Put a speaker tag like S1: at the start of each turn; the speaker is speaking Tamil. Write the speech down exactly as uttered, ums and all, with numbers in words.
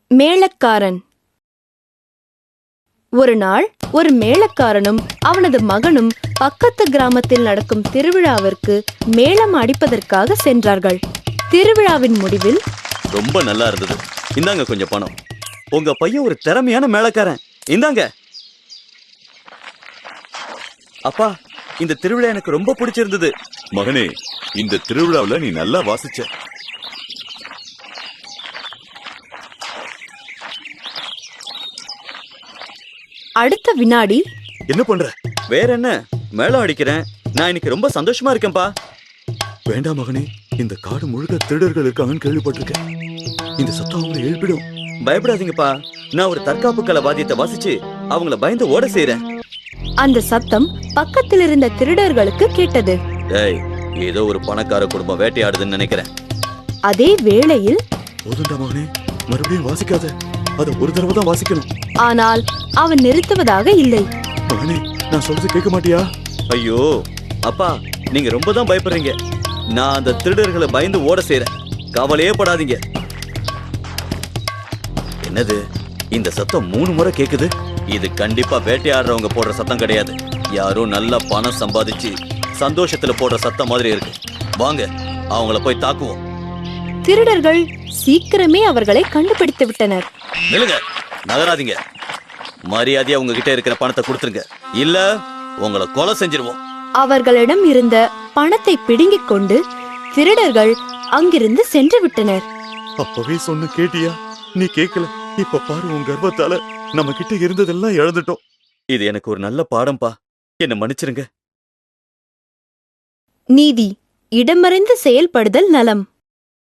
S1: மேளக்காரன். ஒரு நாள் ஒரு மேளக்காரனும் அவனது மகனும் பக்கத்து கிராமத்தில் நடக்கும் திருவிழாவிற்கு மேளம் அடிப்பதற்காக சென்றார்கள். திருவிழாவின் முடிவில்,
S2: ரொம்ப நல்லா இருந்தது, இந்தாங்க கொஞ்சம் பணம். உங்க பையன் ஒரு திறமையான மேளக்காரன், இந்தாங்க. அப்பா, இந்த திருவிழா எனக்கு ரொம்ப பிடிச்சிருந்தது.
S3: மகனே, இந்த திருவிழாவில் நீ நல்லா வாசிச்ச.
S1: அடுத்த வினாடி,
S2: என்ன பண்ற? வேற என்ன, மேளம் அடிக்கிறேன். நான் இன்னைக்கு ரொம்ப சந்தோஷமா இருக்கேன்பா.
S3: வேண்டாம் மகனே, இந்த காடு முழுக்க திருடர்கள் இருக்காங்கன்னு கேள்விப்பட்டிருக்கேன். இந்த சத்தம் அவங்களை எழுப்பிடும்.
S2: பயப்படாதீங்கப்பா, நான் ஒரு தற்காப்பு கலை வாத்தியத்தை வாசிச்சு அவங்கள பயந்து ஓட செய்றேன்.
S1: அந்த சத்தம் பக்கத்தில் இருந்த திருடர்களுக்கு கேட்டது.
S2: ஏய், ஏதோ ஒரு பணக்கார குடும்பம் வேட்டையாடுதுன்னு நினைக்கிறேன்.
S1: அதே வேளையில்,
S3: போதுண்டா மகனே, மறுபடியும் வாசிக்காத, அத ஒரு தடவை தான் வாசிக்கணும்.
S1: ஆனால் அவன் நிறுத்துவதாக இல்லை.
S3: மகனே, நான் சொல்றது கேட்க மாட்டியா?
S2: ஐயோ அப்பா, நீங்க ரொம்ப தான் பயப்படுறீங்க. நான் அந்த திருடர்களை பயந்து ஓட செய்றேன், கவலையே படாதீங்க. என்னது, இந்த சத்தம் மூணு முறை கேக்குது? இது கண்டிப்பா வேட்டையாடுறவங்க போடுற சத்தம் கிடையாது. யாரோ நல்ல பணம் சம்பாதிச்சு சந்தோஷத்துல போடுற சத்தம் மாதிரி இருக்கு. வாங்க, அவங்கள போய் தாக்குவோம்.
S1: திருடர்கள் சீக்கிரமே அவர்களை கண்டுபிடித்து விட்டனர்.
S2: நில்லுங்க, நகராதீங்க. மரியாதையா உங்ககிட்ட இருக்கிற பணத்தை கொடுத்துருங்க, இல்ல உங்களை கொலை செஞ்சிருவோம்.
S1: அவர்களிடம் இருந்த பணத்தை பிடுங்கிக் கொண்டு திருடர்கள் அங்கிருந்து சென்று விட்டனர்.
S3: அப்பவே சொன்ன கேட்டியா? நீ கேட்கல. இப்ப பாரு, உன் கர்வத்தால நம்ம கிட்ட இருந்ததெல்லாம் இழந்துட்டோம்.
S2: இது எனக்கு ஒரு நல்ல பாடம்பா, என்ன மன்னிச்சிருங்க.
S1: நீதி, இடமறிந்து செயல்படுதல் நலம்.